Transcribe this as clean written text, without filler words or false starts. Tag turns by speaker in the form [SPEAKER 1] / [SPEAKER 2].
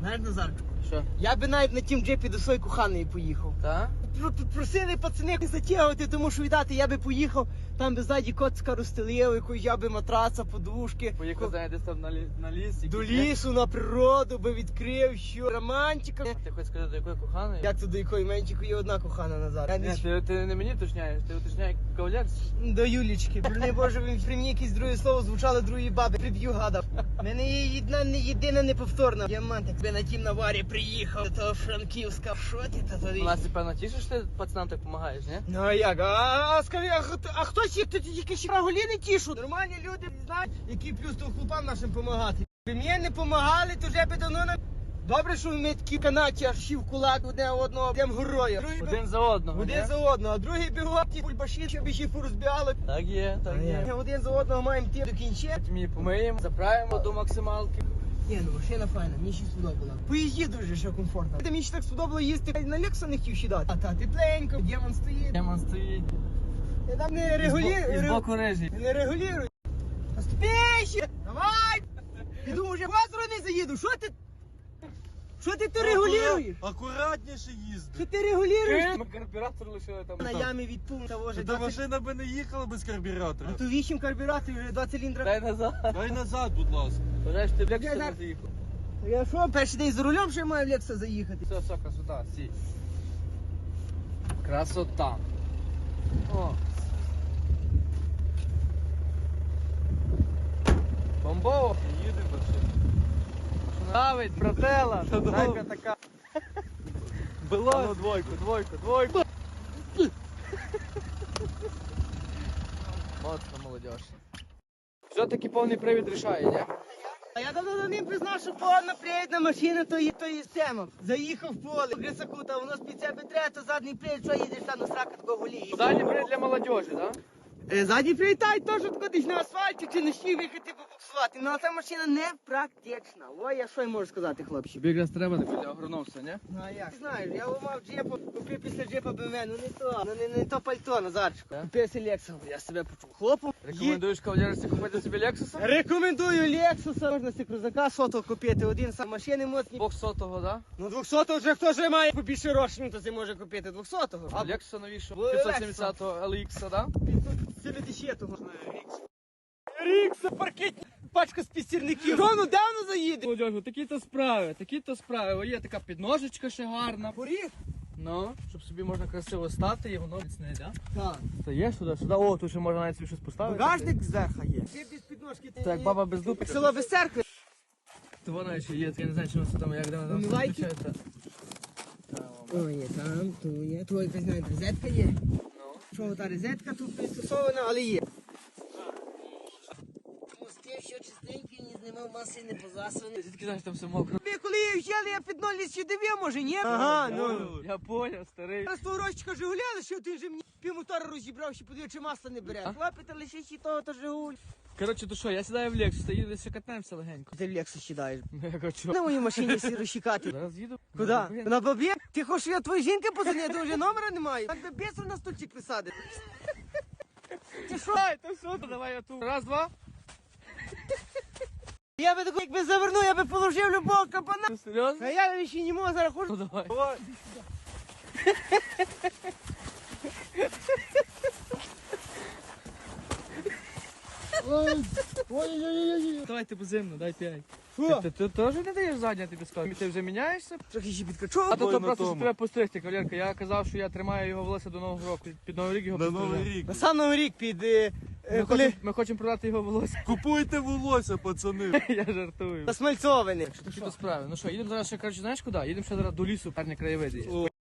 [SPEAKER 1] Знаєш, Назарчику?
[SPEAKER 2] Що?
[SPEAKER 1] Я би навіть на тім джипі до своєї коханої поїхав.
[SPEAKER 2] Та?
[SPEAKER 1] Просили пацани не затягувати, тому що віддати я би поїхав, там би ззаді коцка розстелили, якусь я би матраца, подушки.
[SPEAKER 2] Поїхав, знаєш, десь там на ліс.
[SPEAKER 1] До лісу, на природу би відкрив, що романтика.
[SPEAKER 2] Ти хочеш сказати, до якої коханої?
[SPEAKER 1] Як це до якої? Менчику є одна кохана Назар. Я не...
[SPEAKER 2] Ні, ти не мені уточняєш, ти уточняєш кавалерці.
[SPEAKER 1] До Юлічки. Не боже, він при мені якесь друге слово звучало другої баби. Приб'ю гадав. Мене є одна не єдина неповторна. Діамантик. Я на тім наварі приїхав до того Франківська. Що ти та тоді?
[SPEAKER 2] Вона певно тішиш, що ти пацанам так допомагаєш, ні?
[SPEAKER 1] Ну а як? Скажи, а хто ці, хто тільки ще голі не тішу? Нормальні люди знають, який плюс то хлопам нашим допомагати. Ви мені не допомагали, то вже би давно на... Добре, що ми такі канаті, аж всі в кулак одне одного, прям героя.
[SPEAKER 2] Один за одного,
[SPEAKER 1] Один
[SPEAKER 2] ні?
[SPEAKER 1] за одного, а другий бігав, ті бульбаші, щоб ще порозбігали.
[SPEAKER 2] Так є, так є.
[SPEAKER 1] Один за одного маємо ті до кінця.
[SPEAKER 2] Ми помиємо, заправимо до максималки.
[SPEAKER 1] Ні, ну машина файна, мені ще сподобала. Поїзді дуже ще комфортно. Мені ще так сподобало їсти, на Лекса не хотів сідати. А та тепленько, демон стоїть.
[SPEAKER 2] Демон стоїть.
[SPEAKER 1] Я там не
[SPEAKER 2] І
[SPEAKER 1] регулюю.
[SPEAKER 2] збоку режі.
[SPEAKER 1] Не регулюю. Поспіші! Давай! Іду вже базру не заїду, що ти? Що ти регулюєш?
[SPEAKER 3] Акуратніше їзди.
[SPEAKER 1] Що ти регулюєш?
[SPEAKER 2] Ми карбюратор лишили там.
[SPEAKER 1] На ямі від пункту того вже
[SPEAKER 3] Та
[SPEAKER 1] 20...
[SPEAKER 3] машина би не їхала без карбюратора.
[SPEAKER 1] А то 8 карбюраторів, вже 2 циліндра.
[SPEAKER 2] Дай назад.
[SPEAKER 3] Дай назад, будь ласка.
[SPEAKER 2] Бажаєш, ти в Лексус
[SPEAKER 1] Я
[SPEAKER 2] не
[SPEAKER 1] так-
[SPEAKER 2] заїхав.
[SPEAKER 1] Я що, перший день за рулем ще маю в Лекса заїхати?
[SPEAKER 2] Все, красота, сі. Красота. О. Бомбово.
[SPEAKER 3] Їдемо машина.
[SPEAKER 2] Давить, братела.
[SPEAKER 3] Та
[SPEAKER 2] Дай
[SPEAKER 3] добре.
[SPEAKER 2] така.
[SPEAKER 3] А
[SPEAKER 2] Было.
[SPEAKER 3] ну двойку.
[SPEAKER 2] Моцно, молодежь. Все-таки повний привід рішає, ні?
[SPEAKER 1] А я давно за ним признав, що повна привідна машина, то є система. Заїхав в поле, грисаку, та воно з під себе треба, то задній привід, що їдеш там на срака такого голії.
[SPEAKER 2] Дальній привід для молодежі, да?
[SPEAKER 1] Задній привід, та й теж тако десь на асфальті чи на щі виїхати побуксувати. Ну, а ця машина не практична. Ой, я що й можу сказати, хлопці?
[SPEAKER 2] Тобі якраз треба так для агрономства, ні?
[SPEAKER 1] Ну, а як? Ти знаєш, я мав джепу, купив після джепа BMW, ну не то, не то пальто, Назарчику.
[SPEAKER 2] Так?
[SPEAKER 1] Купив си Лекса, я себе почув хлопом.
[SPEAKER 2] Рекомендуєш кавалерці купити собі Лексуса?
[SPEAKER 1] Рекомендую Лексуса, можна си крузака сотого купити, один сам машини моцні.
[SPEAKER 2] 200-го, да?
[SPEAKER 1] Ну 200-го вже хто ж має побільше грошей, то це може купити 200-го.
[SPEAKER 2] А Лексуса новішого?
[SPEAKER 1] Лексуса.
[SPEAKER 2] 570-го LX, да?
[SPEAKER 1] 570-го. Рікса, паркетні, пачка з пістірників. Рону давно заїде.
[SPEAKER 2] Молодежі, такі-то справи. О, є така підножечка ще гарна.
[SPEAKER 1] Поріг?
[SPEAKER 2] Ну, щоб собі можна красиво стати і воно міцне, да?
[SPEAKER 1] Так.
[SPEAKER 2] Стаєш сюди. О, тут ще можна навіть собі щось поставити.
[SPEAKER 1] Багажник зверха є. Ти без підножки. Ти
[SPEAKER 2] Так, баба без дупи.
[SPEAKER 1] село без церкви.
[SPEAKER 2] То вона ще є, я не знаю, чи вона там, як вона там
[SPEAKER 1] Умивайки?
[SPEAKER 2] включається.
[SPEAKER 1] О, є там, ту є. Твоя якась навіть розетка є.
[SPEAKER 2] Ну.
[SPEAKER 1] Що та розетка тут пристосована, але є. Мости, що чистенькі, не знімав маси, не позасані.
[SPEAKER 2] Звідки знаєш, там все мокро?
[SPEAKER 1] Ви коли її взяли, я під ноль ще дивив, може, ні? Ага, ну.
[SPEAKER 2] Я поняв, старий.
[SPEAKER 1] Зараз того розчика Жигуля, що ти вже мені півмотора розібрав, ще подивив, чи масло не бере.
[SPEAKER 2] А?
[SPEAKER 1] Хлопець, лише ще того, то Жигуль.
[SPEAKER 2] Коротше, то що, я сідаю в Лексус, та їду ще катаємося легенько.
[SPEAKER 1] Ти в Лексус сідаєш.
[SPEAKER 2] Ну, я хочу.
[SPEAKER 1] На моїй машині сі розчикати.
[SPEAKER 2] Зараз їду.
[SPEAKER 1] Куди? На бабі? Ти хочеш, я твої жінки позвоню, то вже номера немає. Так би бісер на стульчик присадив. Ти що?
[SPEAKER 2] Ай, то все, давай я тут. Раз, два.
[SPEAKER 1] Я би таку, якби завернув, я би положив любого капана.
[SPEAKER 2] Ну, серйозно?
[SPEAKER 1] А я ще не можу, зараз
[SPEAKER 2] Ну,
[SPEAKER 1] хочу.
[SPEAKER 2] давай.
[SPEAKER 1] Ой-ой-ой.
[SPEAKER 2] Давайте поземно, дай 5.
[SPEAKER 1] Що?
[SPEAKER 2] Ти теж не даєш задня, тобі скажу. Ти вже міняєшся?
[SPEAKER 1] Трохи ще підкачу.
[SPEAKER 2] А то
[SPEAKER 3] на
[SPEAKER 2] просто
[SPEAKER 3] тому.
[SPEAKER 2] треба постригти, кавалерка. Я казав, що я тримаю його волосся до Нового року. Під Новий рік його
[SPEAKER 3] На
[SPEAKER 2] пострижу.
[SPEAKER 3] Новий рік.
[SPEAKER 1] На сам Новий рік під...
[SPEAKER 2] Ми хочемо продати його волосся.
[SPEAKER 3] Купуйте волосся, пацани.
[SPEAKER 2] Я жартую.
[SPEAKER 1] Насмальцований.
[SPEAKER 2] Такі то справи. Ну що, їдемо зараз ще, коротше, знаєш куди? Їдемо ще зараз до лісу, парні краєвиди є.